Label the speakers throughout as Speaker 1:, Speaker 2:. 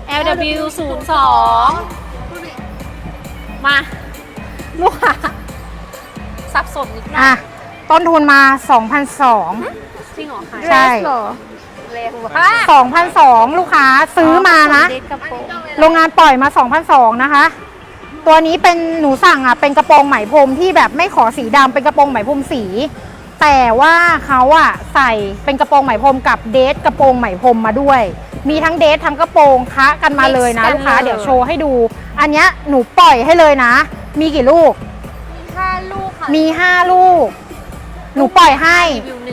Speaker 1: LW02 มาลูกค้าสับสนนิดหน่อย
Speaker 2: อ่ะต้นทุนมา
Speaker 1: จริงเหรอคะ
Speaker 2: ใช่
Speaker 1: เร็วค่ะ
Speaker 2: 2,200 ลูกค้าซื้อมานะ
Speaker 1: เด็กกระโปรง
Speaker 2: โรงงานปล่อยมา 2,200 นะคะ ตัวนี้เป็นหนูสั่งอ่ะเป็นกระโปรงไหมพรมที่แบบไม่ขอสีดำเป็นกระโปรงไหมพรมสี แต่ว่าเขาอ่ะใส่เป็นกระโปรงไหมพรมกับเดทกระโปรงไหมพรมมาด้วย มีทั้งเดททั้งกระโปรงคะกันมาเลยนะลูกค้าเดี๋ยวโชว์ให้ดู อันเนี้ยหนูปล่อยให้เลยนะ มีกี่ลูก
Speaker 1: 5 ลูกค่ะ
Speaker 2: มี 5 ลูก หนูปล่อยให้
Speaker 1: รีวิว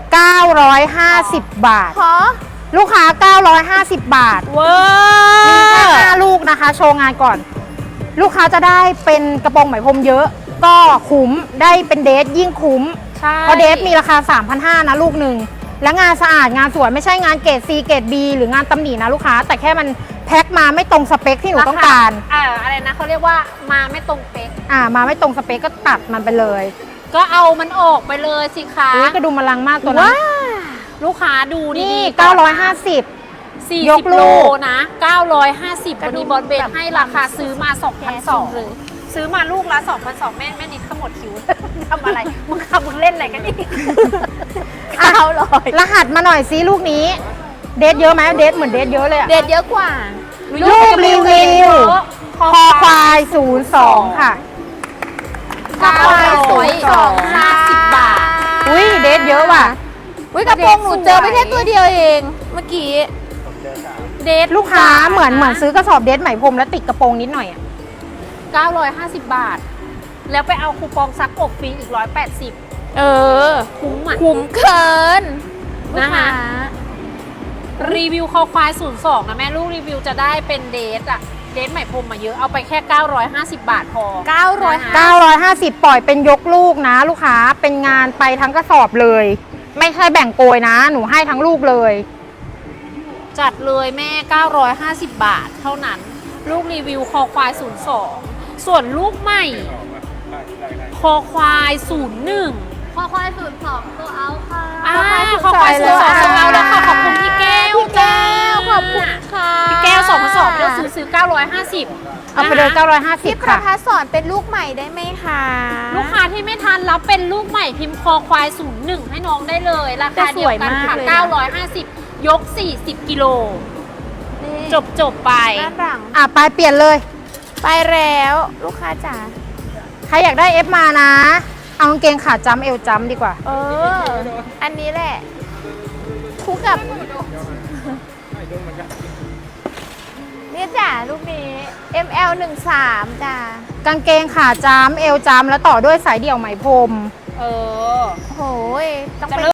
Speaker 2: 950 บาท
Speaker 1: ขอ
Speaker 2: ลูกค้า 950 บาท
Speaker 1: เว้
Speaker 2: มีแค่
Speaker 1: ย
Speaker 2: 5 ลูกนะคะ โชว์งานก่อน ลูกค้าจะได้เป็นกระโปรงไหมพรมเยอะ ก็คุ้มได้เป็นเดทยิ่งคุ้ม
Speaker 1: ใช่
Speaker 2: เพราะเดทมีราคา 3,500 นะลูกหนึ่ง และงานสะอาดงานสวยไม่ใช่งานเกรด C เกรด B หรืองานตำหนินะลูกค้า แต่แค่มันแพ็คมาไม่ตรงสเปคที่หนูต้องการ
Speaker 1: อะไรนะเขาเรียกว่ามาไม่ตรงเป๊ก
Speaker 2: มาไม่ตรงสเปคก็ตัดมันไปเลย
Speaker 1: ก็เอามันออกไปเลยสิคะ
Speaker 2: อุ้ยกระดุมมะลังมากตัวนั้น
Speaker 1: ลูกค้าดู
Speaker 2: นี่
Speaker 1: ดีๆ
Speaker 2: 950 ยก
Speaker 1: 40
Speaker 2: ลู
Speaker 1: โล
Speaker 2: ก
Speaker 1: นะ 950วันนี้บอลเบนให้ราคาซื้อมา 2,200เลยซื้อมาลูกละ 2,200แม่นิดขมวดคิ้ว ทำอะไร มึงเล่นอะไรกันนี่ เอาเลย
Speaker 2: รหัสมาหน่อยซิลูกนี้ เดทเยอะไหมเดทเหมือนเดทเยอะเลยอะ
Speaker 1: เด็ดเยอะกว่า
Speaker 2: ลูกรีวิวคอควาย 02 ค่ะ
Speaker 1: 950 บาท
Speaker 2: อุ้ยเดทเยอะว่ะ
Speaker 1: อุ้ยกระโปรงหนูเจอไปแค่ตัวเดียวเองเมื่อกี้เดท
Speaker 2: ลูกค้าเหมือนซื้อกระสอบเดทไหมพรมแล้วติดกระโปรงนิดหน่อยอะ
Speaker 1: 950 บาท แล้วไปเอาคูปองซักอบฟรีอีก 180
Speaker 3: เออ
Speaker 1: คุ้มอ่ะ
Speaker 3: คุ้มเกิน
Speaker 1: นะคะรีวิวคอควาย 02 นะแม่ลูกรีวิวจะได้เป็นเดทอะเดทไหมพรมมาเยอะเอาไปแค่ 950 บาทพอ
Speaker 2: 950 ปล่อยเป็นยกลูกนะ ลูกค้าเป็นงานไปทั้งกระสอบเลย ไม่ใช่แบ่งโกยนะ หนูให้ทั้งลูกเลย
Speaker 1: จัดเลยแม่ 950 บาทเท่านั้น ลูกรีวิวคอควาย 02 ส่วนลูกใหม่ คอควาย 01
Speaker 3: คอควาย02ตัวเอาค่ะ
Speaker 1: คอควาย 02ของเราแล้วค่ะขอบคุณพี่แก้ว
Speaker 3: พี่แก้วขอบคุณค่ะ
Speaker 1: พี่แก้ว2,200เลือกซื้อ 950
Speaker 2: เอาไปเลย
Speaker 3: พี่
Speaker 2: 950
Speaker 3: ประ
Speaker 2: ค่ะ
Speaker 3: ภาสอนเป็นลูกใหม่ได้ไหมคะ
Speaker 1: ลูกค้าที่ไม่ทันรับเป็นลูกใหม่พิมพ์คอควาย 01 ให้น้องได้เลย ราคาเดียวกันค่ะ 950 ยก 40 กิโล
Speaker 3: นี่
Speaker 1: จบไป
Speaker 3: ด้านหลัง
Speaker 2: ไปเปลี่ยนเลย
Speaker 3: ไปแล้วลูกค้าจ๋า
Speaker 2: ใครอยากได้ F มานะ เอากางเกงขาจ้ำเอวจ้ำดีกว่า
Speaker 3: อันนี้แหละคู่กับนี่จ้ะลูกนี้ ML 13จ้ะ
Speaker 2: กางเกงขาจ้ำเอวจ้ำแล้วต่อด้วยสายเดี่ยวไหมพรม
Speaker 1: เออ
Speaker 3: โหยต้อง
Speaker 1: จะ
Speaker 3: เป็น
Speaker 1: เริ่ม